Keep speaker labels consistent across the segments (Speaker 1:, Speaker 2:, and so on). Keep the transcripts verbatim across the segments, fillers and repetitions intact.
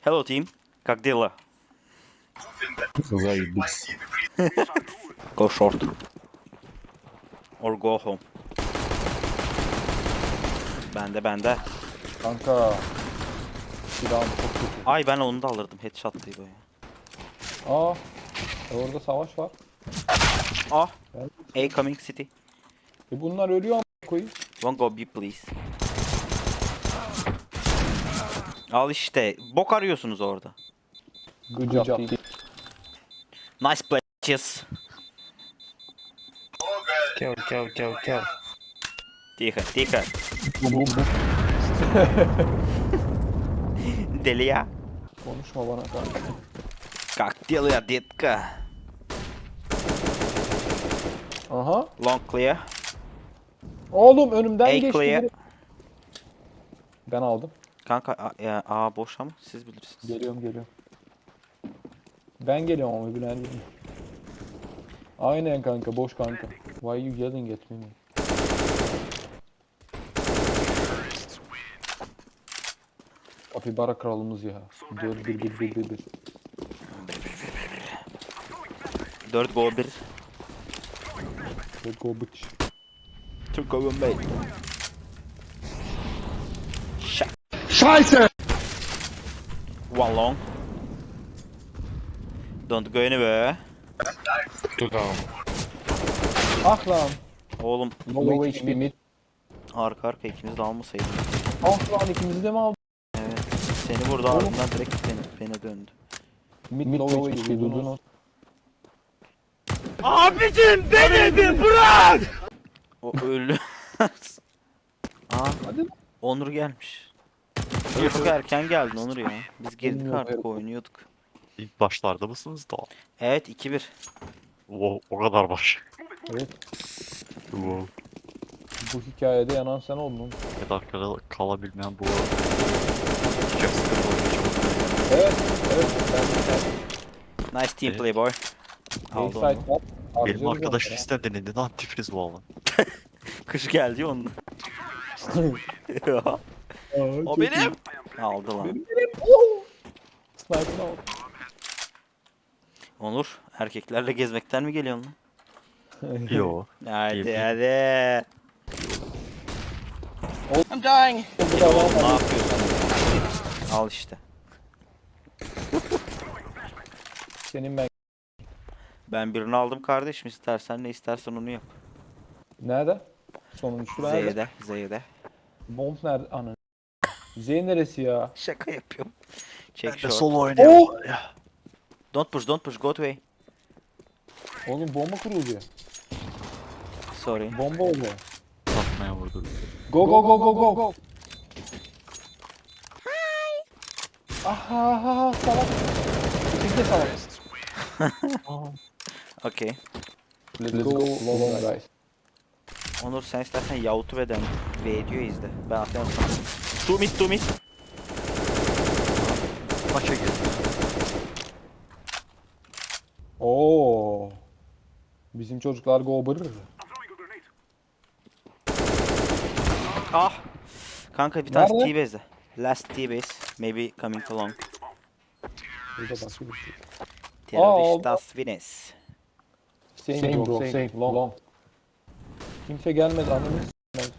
Speaker 1: Hello team. Как дела?
Speaker 2: Заебись.
Speaker 1: Go short. Or go home. Bende bende.
Speaker 2: Kanka. Silahım çok kötü.
Speaker 1: Ay ben onu da alırdım. Headshot diye böyle.
Speaker 2: Aa. E orada savaş var.
Speaker 1: Ah.
Speaker 2: Ben-
Speaker 1: A coming city.
Speaker 2: E bunlar ölüyor ama koyayım.
Speaker 1: One go B please. Al işte. Bok arıyorsunuz orada.
Speaker 2: Good job team.
Speaker 1: Nice play. Cheers.
Speaker 3: Kill, kill, kill, kill.
Speaker 1: Тихо, тихо.
Speaker 2: Bu, bu, bu.
Speaker 1: Deli ya.
Speaker 2: Konuşma bana kanka.
Speaker 1: Как дела, детка?
Speaker 2: Aha.
Speaker 1: Long clear.
Speaker 2: Oğlum önümden
Speaker 1: A
Speaker 2: geçti
Speaker 1: clear.
Speaker 2: biri. Ben aldım.
Speaker 1: Kanka A, ya, A boş ama siz bilirsiniz.
Speaker 2: Geliyorum geliyorum. Ben geliyorum ama bilen değil. Aynen kanka boş kanka. Why you yelling at me? Kapibara kralımız ya. dört bir bir bir bir bir.
Speaker 1: dört go bir.
Speaker 2: Let's go bitch.
Speaker 1: Türk go bir. Şak.
Speaker 4: Scheiße!
Speaker 1: One long. Don't go anywhere.
Speaker 3: Two down.
Speaker 2: Ah lan.
Speaker 1: Oğlum
Speaker 2: Low H P mid.
Speaker 1: arka arka ikimiz de almasaydık.
Speaker 2: Ah lan ikimizi de mi aldın?
Speaker 1: Evet. Seni vurdu ardından direkt beni, beni döndü.
Speaker 2: Mid, mid low H P duydun o.
Speaker 1: O öldü. Aa,
Speaker 2: Hadi.
Speaker 1: Onur gelmiş. Çok erken geldin Onur ya. Biz girdik
Speaker 2: Bilmiyorum,
Speaker 1: artık
Speaker 2: evet.
Speaker 1: oynuyorduk.
Speaker 5: İlk başlarda mısınız da?
Speaker 1: Evet iki bir.
Speaker 5: O, o kadar baş.
Speaker 2: Evet.
Speaker 5: Wow.
Speaker 2: Bu hikayede yanan sen oldun.
Speaker 5: Bir dakikada kalabilmeyen bu. Çok sıkıntı oluyor.
Speaker 2: Evet. Evet. Ben
Speaker 1: Nice team
Speaker 5: Evet.
Speaker 1: play boy.
Speaker 2: A
Speaker 1: Aldı
Speaker 2: site
Speaker 1: onu.
Speaker 2: var.
Speaker 5: Benim
Speaker 2: Harcarız
Speaker 5: arkadaş
Speaker 2: onu ya.
Speaker 5: liste denedi. Antifriz bu alan.
Speaker 1: Kış geldi onun.
Speaker 2: Aa,
Speaker 1: O
Speaker 2: çok
Speaker 1: benim.
Speaker 2: iyi.
Speaker 1: Aldı lan.
Speaker 2: Benim benim. Oh! Sniper'ını aldım.
Speaker 1: Onur erkeklerle gezmekten mi geliyorsun lan?
Speaker 5: Yo.
Speaker 1: Hadi
Speaker 5: Keyifli.
Speaker 1: hadi.
Speaker 2: Bu da
Speaker 1: Ne
Speaker 2: var.
Speaker 1: yapıyorsun? Al işte.
Speaker 2: Senin ben.
Speaker 1: Ben birini aldım kardeşim. İstersen ne istersen onu yap.
Speaker 2: Nerede? Sonuncusu nerede?
Speaker 1: Z'de, Z'de.
Speaker 2: Bomb nerede? Ana. Z neresi ya?
Speaker 1: Şaka yapıyorum. Çek
Speaker 5: Ben de
Speaker 1: short.
Speaker 5: solo oynuyorum. Ya.
Speaker 1: Don't push, don't push. Go to A.
Speaker 2: Oğlum bomba kuruluyor.
Speaker 1: Sorry.
Speaker 2: Bomba oluyor.
Speaker 5: Satmaya vurdu.
Speaker 2: Go go go go go go. Aha aha salak. İkisi de salak.
Speaker 1: Okay.
Speaker 2: Let's go long guys.
Speaker 1: Onur sen istersen YouTube'den video izle. Ben atıyorum sana. Two mid, two mid.
Speaker 5: Maça girdi.
Speaker 2: Oo. Bizim çocuklar go bırır.
Speaker 1: Ah. Kanka bir tane
Speaker 2: Nerede?
Speaker 1: T-base. Last T-base. Maybe coming to long.
Speaker 2: Burada başka bir şey.
Speaker 1: Terroristas Vines.
Speaker 2: Same, bro, same, long. long. Kimse gelmedi anladın mı?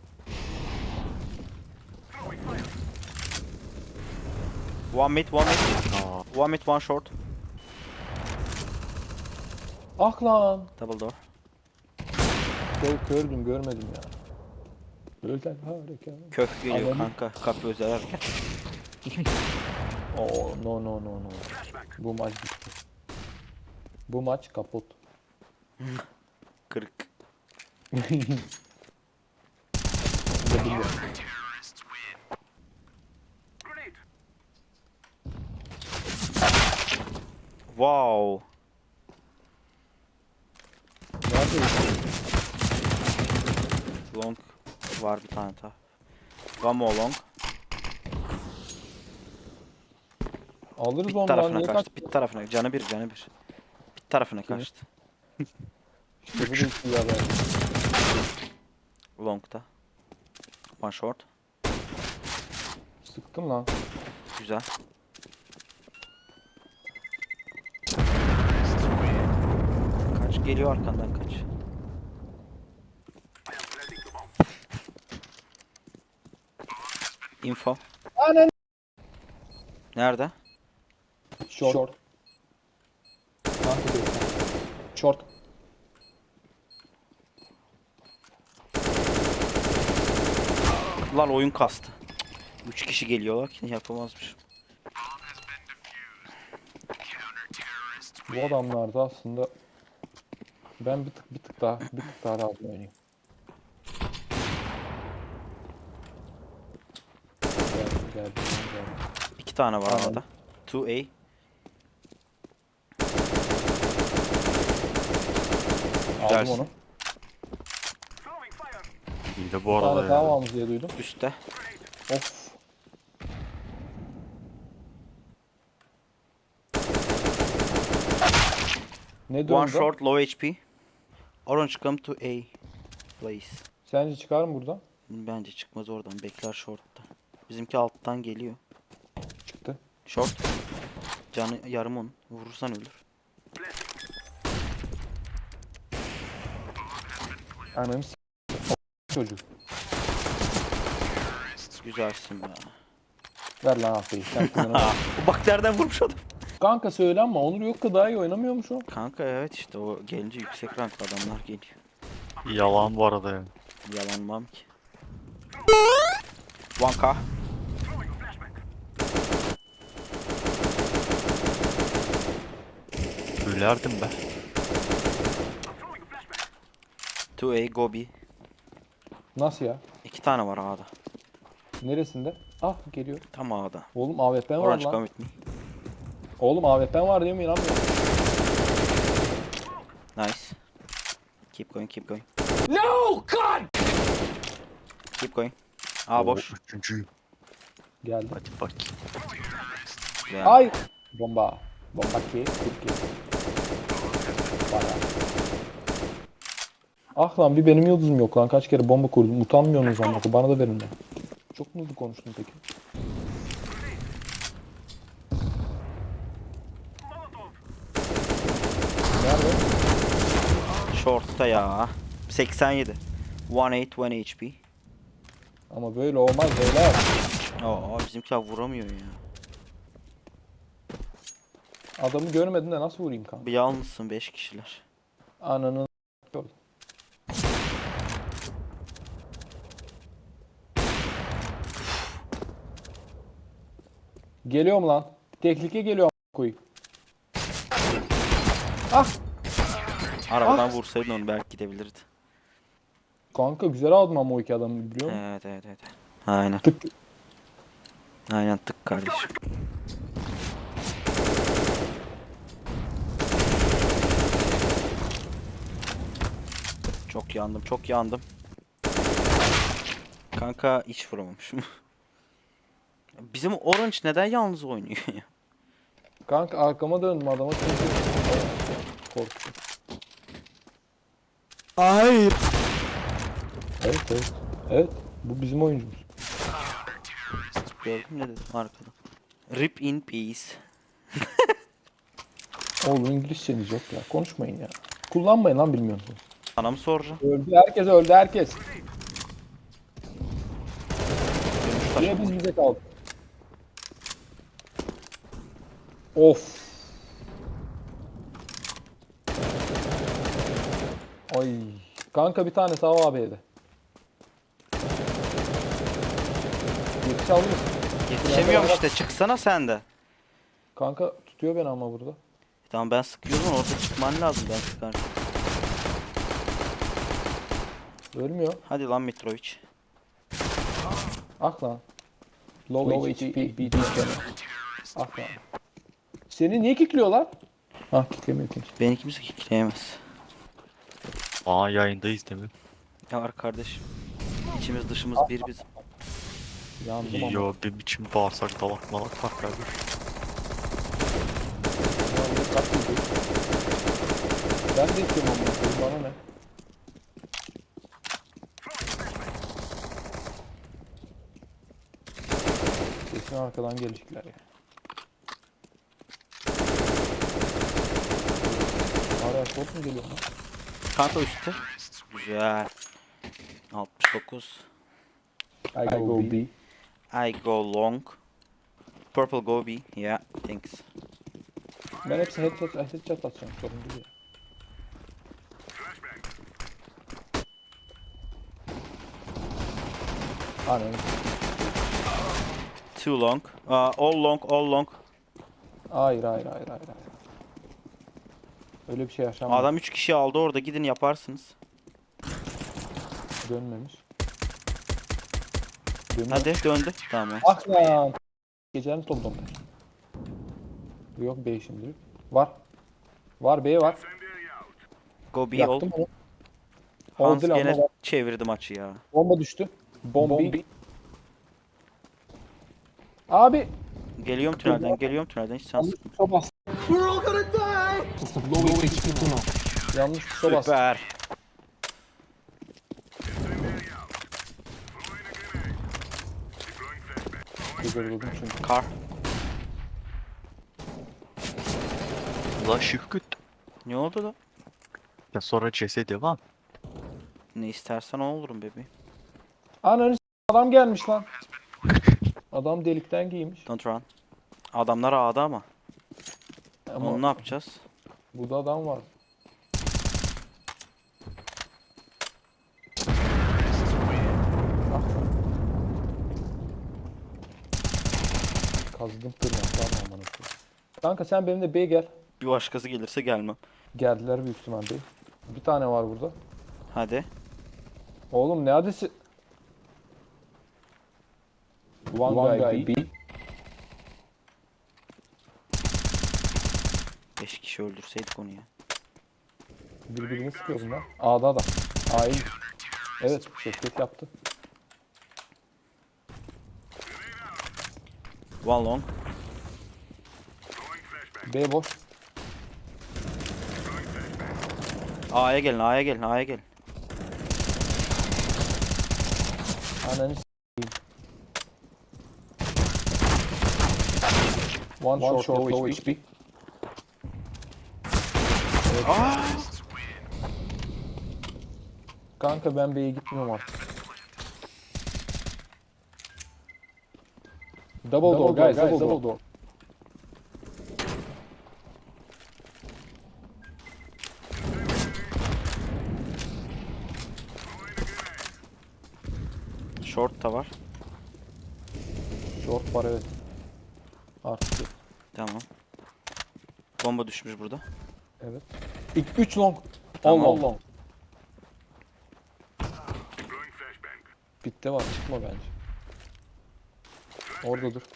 Speaker 1: One mid, one mid.
Speaker 5: Aa,
Speaker 1: One mid, one short.
Speaker 2: Ah lan.
Speaker 1: Double door.
Speaker 2: Kör, kördüm görmedim ya. Özel harika.
Speaker 1: Kök geliyor
Speaker 2: Anladım.
Speaker 1: kanka. Kapı özel hareket.
Speaker 2: Oo no no no no. Bu maç bitti. Bu maç kaput.
Speaker 1: Kırık.
Speaker 2: Size biliyorum.
Speaker 1: Wow.
Speaker 2: Neredeyiz?
Speaker 1: Long var bir tane daha. One more long.
Speaker 2: Alırız
Speaker 1: Bit
Speaker 2: onu lan.
Speaker 1: tarafına
Speaker 2: Niye
Speaker 1: kaçtı.
Speaker 2: kaç?
Speaker 1: Bit tarafına. Canı bir, canı bir. Bit tarafına
Speaker 2: Kimi?
Speaker 1: kaçtı.
Speaker 2: İşte bu da iyi haber.
Speaker 1: Long'da. One short.
Speaker 2: Sıktım lan.
Speaker 1: Güzel. geliyor arkandan kaç. Info.
Speaker 2: Anan.
Speaker 1: Nerede?
Speaker 2: Short. Short. Kanka diyor. Short.
Speaker 1: Lan oyun kastı. Üç kişi geliyorlar ki yapamazmış.
Speaker 2: Bu adamlarda aslında ben bir tık bir tık daha bir tık daha rahat oynayayım. Geldim geldim geldim.
Speaker 1: İki tane var
Speaker 2: Tamam.
Speaker 1: arada. iki A.
Speaker 2: Aldım
Speaker 1: Güzelsin.
Speaker 2: onu.
Speaker 5: İyi de bu
Speaker 2: Bir tane
Speaker 5: arada
Speaker 2: daha
Speaker 5: ya.
Speaker 2: varmış diye duydum.
Speaker 1: Üste.
Speaker 2: Of. Ne
Speaker 1: One
Speaker 2: döndü?
Speaker 1: short, low H P. Orange come to A. Place.
Speaker 2: Sence çıkar mı buradan?
Speaker 1: Bence çıkmaz oradan. Bekler short'ta. Bizimki alttan geliyor.
Speaker 2: Çıktı.
Speaker 1: Short. Canı yarım onun. Vurursan ölür.
Speaker 2: Ananı s*** çocuk.
Speaker 1: Güzelsin be.
Speaker 2: Ver lan aferin. Sen kullanamazsın.
Speaker 1: Bak nereden vurmuş adam.
Speaker 2: Kanka söylenme. Onur yok ki daha iyi oynamıyormuş o.
Speaker 1: Kanka evet işte o gelince yüksek ranklı adamlar geliyor.
Speaker 5: Yalan bu arada yani.
Speaker 1: Yalanmam ki. one K.
Speaker 5: Gülerdim be.
Speaker 1: iki A Gobi.
Speaker 2: Nasıl ya?
Speaker 1: İki tane var A'da.
Speaker 2: Neresinde? Ah geliyor.
Speaker 1: Tam A'da.
Speaker 2: Oğlum A W P var
Speaker 1: Orange
Speaker 2: lan.
Speaker 1: come with me.
Speaker 2: Oğlum A W P var diye mi inanmıyorum.
Speaker 1: Nice. Keep going, keep going. No God. Keep going. A boş.
Speaker 5: Oo, üçüncü.
Speaker 2: Geldi.
Speaker 5: Hadi bak.
Speaker 1: Güzel.
Speaker 2: Ay. Bomba. Bomba ki. Türkiye. Bayağı. Ah lan bir benim yıldızım yok lan. Kaç kere bomba kurdum. Utanmıyorsunuz ama. Bana da verin lan. Çok mu hızlı konuştun peki? Nerede?
Speaker 1: Short'ta ya. seksen yedi. one eight, one H P.
Speaker 2: Ama böyle olmaz beyler.
Speaker 1: Aa bizimkiler vuramıyor ya.
Speaker 2: Adamı görmedin de nasıl vurayım kanka?
Speaker 1: Bir yalnızsın beş kişiler.
Speaker 2: Ananı gördüm. Geliyorum lan. Tehlike geliyor koyayım. Ah!
Speaker 1: Arabadan vursaydın onu belki gidebilirdi.
Speaker 2: Kanka güzel aldım ama o iki adamı biliyor musun?
Speaker 1: Evet evet evet. Aynen.
Speaker 2: Tık.
Speaker 1: Aynen tık kardeşim. Çok yandım, çok yandım. Kanka hiç vuramamışım. Bizim Orange neden yalnız oynuyor ya?
Speaker 2: Kanka arkama döndüm adama çünkü korktum.
Speaker 1: Hayır.
Speaker 2: Evet evet. Evet. Bu bizim oyuncumuz.
Speaker 1: Gördün ne dedim arkada. Rip in peace.
Speaker 2: Oğlum İngilizceniz yok ya. Konuşmayın ya. Kullanmayın lan bilmiyorsunuz.
Speaker 1: Sana mı soracağım?
Speaker 2: Öldü herkes öldü herkes.
Speaker 1: Dönüş
Speaker 2: Niye
Speaker 1: taşı.
Speaker 2: biz bize kaldık? Of. Ay. Kanka bir tane sağ abiye de. Yetiş alır mısın?
Speaker 1: Yetişemiyorum işte çıksana sen de.
Speaker 2: Kanka tutuyor beni ama burada.
Speaker 1: Tamam ben sıkıyorum orada çıkman lazım ben sıkarım.
Speaker 2: Ölmüyor.
Speaker 1: Hadi lan Mitrovic.
Speaker 2: Ah lan. Low, H P, B D Ah lan. Seni niye kickliyorlar? Ah kicklemiyor kimse.
Speaker 1: Beni kimse kickleyemez.
Speaker 5: Aa yayındayız değil mi?
Speaker 1: Ya var kardeşim. İçimiz dışımız bir bizim.
Speaker 2: Yandım ama.
Speaker 5: Yo bir biçim bağırsak dalak malak var kardeş.
Speaker 2: Yandım, kaç yıldır. Ben de istiyorum ama bana ne? Kesin arkadan gelecekler ya. Hala short mu geliyor lan?
Speaker 1: Kanka üstte. Güzel. altmış dokuz.
Speaker 2: I go B.
Speaker 1: I go long. Purple go B. Yeah, thanks.
Speaker 2: Ben hepsi headshot, headshot atacağım. Sorun değil. Anam.
Speaker 1: Too long. Uh, all long, all long.
Speaker 2: Hayır hayır hayır hayır. hayır. Öyle bir şey yaşanmadı.
Speaker 1: Adam üç kişi aldı orada, gidin yaparsınız.
Speaker 2: Dönmemiş. Dönüyor.
Speaker 1: Hadi döndü. Tamam.
Speaker 2: Ah lan. Gecenin topladım. Yok B şimdi. Var. Var B var.
Speaker 1: Go B ol.
Speaker 2: Yaktım onu.
Speaker 1: Hans
Speaker 2: Oldu lan,
Speaker 1: gene
Speaker 2: ama
Speaker 1: çevirdi maçı ya.
Speaker 2: bomba düştü. Bombi. Abi.
Speaker 1: Geliyorum tünelden, geliyorum tünelden, hiç sen sıkma.
Speaker 2: Tuşa bas. Yanlış tuşa bas.
Speaker 1: Süper.
Speaker 2: Güzel çünkü.
Speaker 1: Kar.
Speaker 5: La şıkkıt.
Speaker 1: Ne oldu da?
Speaker 5: Ya sonra C S devam.
Speaker 1: Ne istersen o olurum bebeğim.
Speaker 2: Ananı s- adam gelmiş lan. Adam delikten giymiş.
Speaker 1: Don't run. Adamlar A'da ama.
Speaker 2: Ama
Speaker 1: Onu ne yapacağız?
Speaker 2: burada adam var. Ah. Kazdım tırnaklarla amına koyayım. Kanka sen benimle B'ye gel.
Speaker 1: Bir başkası gelirse gelmem.
Speaker 2: Geldiler büyük ihtimalle. Bir tane var burada.
Speaker 1: Hadi.
Speaker 2: Oğlum ne adresi? One,
Speaker 4: One
Speaker 2: guy,
Speaker 4: guy
Speaker 2: B.
Speaker 1: Beş kişi öldürseydik onu ya.
Speaker 2: Birbirini sıkıyor bunlar. A'da da. A'yı. Evet, şirket yaptı.
Speaker 1: One long.
Speaker 2: B boş.
Speaker 1: A'ya gelin, A'ya gelin, A'ya gelin.
Speaker 2: Ananı s**eyim. One,
Speaker 4: One
Speaker 2: short,
Speaker 4: short,
Speaker 2: low
Speaker 4: low
Speaker 2: H P.
Speaker 4: H P.
Speaker 2: Kanka ben B'ye gitmiyorum artık. Double, door, guys, double, door. door.
Speaker 1: Short da var.
Speaker 2: Short var evet. Artık yok.
Speaker 1: Tamam. Bomba düşmüş burada.
Speaker 2: Evet. İlk üç long.
Speaker 1: Tamam.
Speaker 2: All long. long. Bitti var çıkma bence. Orada dur.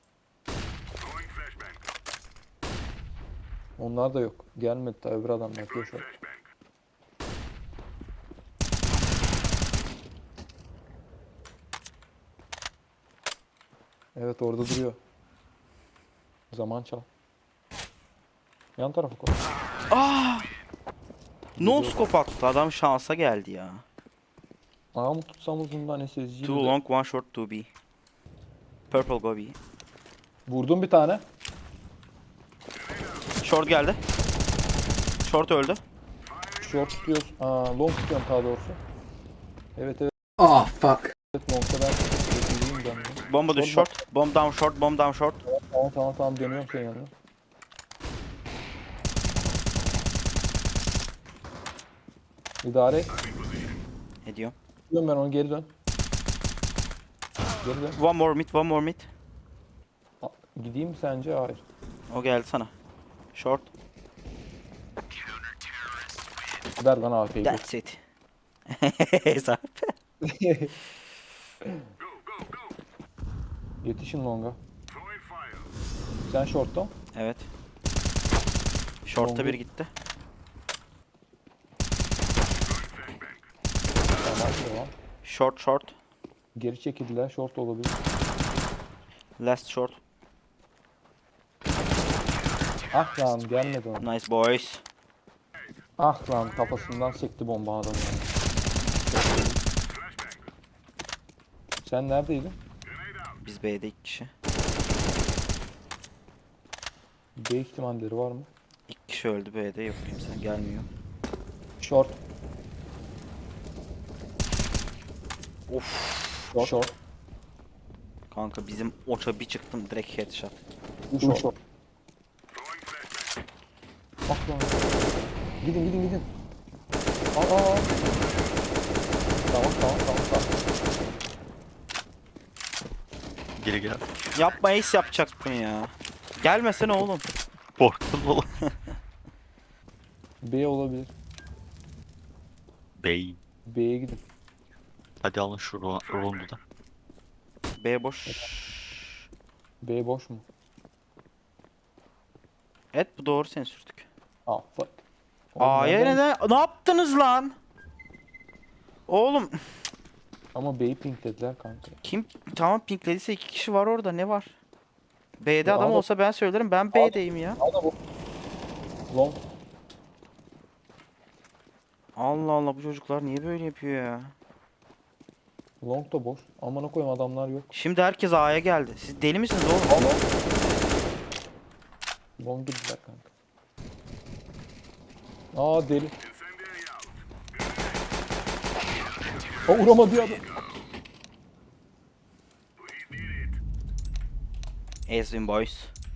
Speaker 2: Onlar da yok. Gelmedi daha öbür adamlar yapıyor şu an. Evet orada duruyor. Zaman çal. Yan tarafa koy.
Speaker 1: No scope attı. Adam şansa geldi ya.
Speaker 2: Ağa mı tutsam uzundan S S G'yi
Speaker 1: Two long, one short, two B. Purple go B.
Speaker 2: Vurdum bir tane.
Speaker 1: Short geldi. Short öldü.
Speaker 2: Short tutuyoruz. Aa, long tutuyorum daha doğrusu. Evet evet.
Speaker 4: Oh fuck.
Speaker 2: Evet long'da ben tutuyorum ben. de.
Speaker 1: Bomba düş
Speaker 2: Short
Speaker 1: short. Bomb down short, bomb down short.
Speaker 2: Tamam tamam tamam dönüyorum senin yanına. İdare et.
Speaker 1: Ediyorum.
Speaker 2: Dön ben onu geri dön. Geri dön.
Speaker 1: One more mid, one more mid.
Speaker 2: A- Gideyim mi sence? Hayır.
Speaker 1: O geldi sana. Short.
Speaker 2: Ver bana A F'yi.
Speaker 1: That's it. Hesap.
Speaker 2: Yetişin longa. Sen short'ta.
Speaker 1: Evet. Short'ta
Speaker 2: Longu-
Speaker 1: bir gitti.
Speaker 2: Tamam devam.
Speaker 1: Short short.
Speaker 2: Geri çekildiler. Short olabilir.
Speaker 1: Last short.
Speaker 2: Ah lan gelmedi ona.
Speaker 1: Nice boys.
Speaker 2: Ah lan kafasından sekti bomba adamı. yani. Sen neredeydin?
Speaker 1: Biz B'de iki kişi.
Speaker 2: B ihtimalleri var mı?
Speaker 1: İki kişi öldü B'de, yok kimse gelmiyor.
Speaker 2: Short.
Speaker 1: Of.
Speaker 2: Short. Short.
Speaker 1: Kanka bizim oça bir çıktım direkt headshot.
Speaker 2: Short. Short. Bak lan. Gidin gidin gidin. Aa, aa. Tamam tamam tamam tamam.
Speaker 5: Geri gel.
Speaker 1: Yapma, ace yapacaktın ya. Gelmesene oğlum.
Speaker 5: Korktum oğlum.
Speaker 2: B olabilir.
Speaker 5: Bey.
Speaker 2: B'ye gidin.
Speaker 5: Hadi alın şu ro rondu da.
Speaker 1: B boş.
Speaker 2: B boş mu?
Speaker 1: Evet, bu doğru, seni sürdük.
Speaker 2: Ah fuck. Oğlum
Speaker 1: A'ya
Speaker 2: nereden-
Speaker 1: neden? Ne yaptınız lan? Oğlum
Speaker 2: Ama B'yi pinklediler kanka.
Speaker 1: kim tamam pinklediyse iki kişi var orada, ne var? B'de
Speaker 2: Ya
Speaker 1: adam
Speaker 2: adam-
Speaker 1: olsa ben söylerim, ben B'deyim ya.
Speaker 2: Al da bu. Long.
Speaker 1: Allah Allah, bu çocuklar niye böyle yapıyor ya?
Speaker 2: Long da boş. Amına koyayım adamlar yok.
Speaker 1: Şimdi herkes A'ya geldi. Siz deli misiniz oğlum?
Speaker 2: Al long. Long girdiler kanka. Aa deli. Aa vuramadı ya adam.
Speaker 1: Ezvin boys.